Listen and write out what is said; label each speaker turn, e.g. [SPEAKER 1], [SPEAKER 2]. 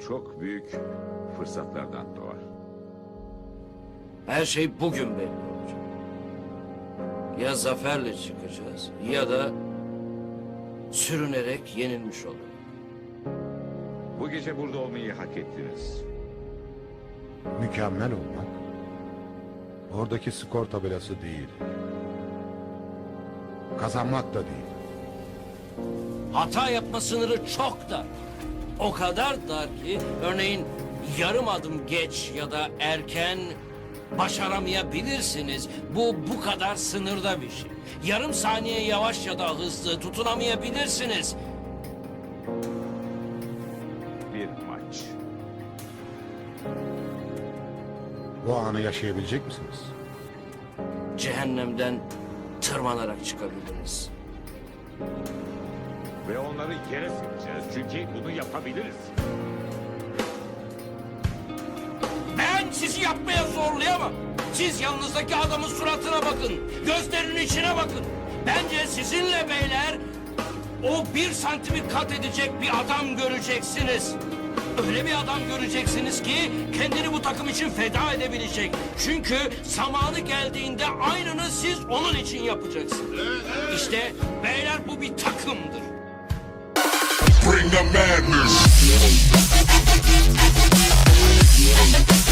[SPEAKER 1] çok büyük fırsatlardan doğar.
[SPEAKER 2] Her şey bugün belli olacak. Ya zaferle çıkacağız ya da sürünerek yenilmiş oluruz.
[SPEAKER 1] Bu gece burada olmayı hak ettiniz.
[SPEAKER 3] Mükemmel olmak oradaki skor tabelası değil. Kazanmak da değil.
[SPEAKER 2] Hata yapma sınırı çok dar. O kadar dar ki örneğin yarım adım geç ya da erken başaramayabilirsiniz. Bu kadar sınırda bir şey. Yarım saniye yavaş ya da hızlı tutunamayabilirsiniz.
[SPEAKER 1] Bir maç.
[SPEAKER 3] Bu anı yaşayabilecek misiniz?
[SPEAKER 2] Cehennemden tırmanarak çıkabiliriz.
[SPEAKER 1] Ve onları yere sereceğiz. Çünkü bunu yapabiliriz.
[SPEAKER 2] Ben sizi yapmaya zorlayamam. Siz yanınızdaki adamın suratına bakın. Gözlerinin içine bakın. Bence sizinle beyler o 1 santimi kat edecek bir adam göreceksiniz. Öyle bir adam göreceksiniz ki kendini bu takım için feda edebilecek. Çünkü zamanı geldiğinde aynını siz onun için yapacaksınız. İşte beyler bu bir takımdır.
[SPEAKER 4] Bring the madness.